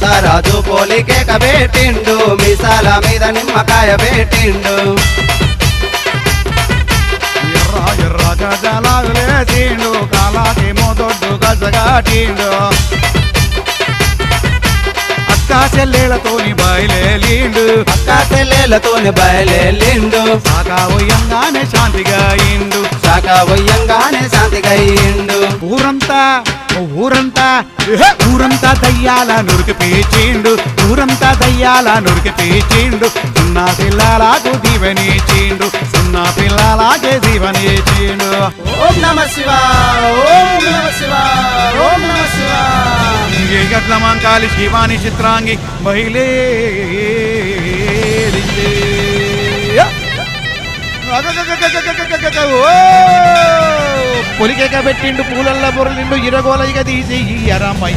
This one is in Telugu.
పోతారాజు పోలికేక పెట్టిండు మీసాల మీద నిమ్మకాయ పెట్టిండు ఎర్ర ఎర్ర గజలాగులేసిండు కాలాకేమో దొడ్డు గజగాటిండు అక్క చెల్లెలతోని బయలేలిండు అక్క చెల్లెలతోని బయలేలిండు సాగావయంగానే శాంతిగా ఇండు శాఖావయ్యంగానే శాంతిగా అయ్యిండు ఊరంతా దయ్యాల నురికి పీచిండు ఊరంతా దయ్యాల నురికి పీచిండు సున్నా పిల్లలకు దీవెనిచ్చిండు సున్నా పిల్లలకే దీవెనిచ్చిండు ఓం నమః శివాయ ఓం నమః శివాయ ఓం నమః శివాయ గట్ల మంకాలి శివాని చిత్రాంగి మహిళే పొలికేక పెట్టిండు పూలల్ల బొరలిండు ఇరగోలైగా తీసి ఈ అరమ్మాయి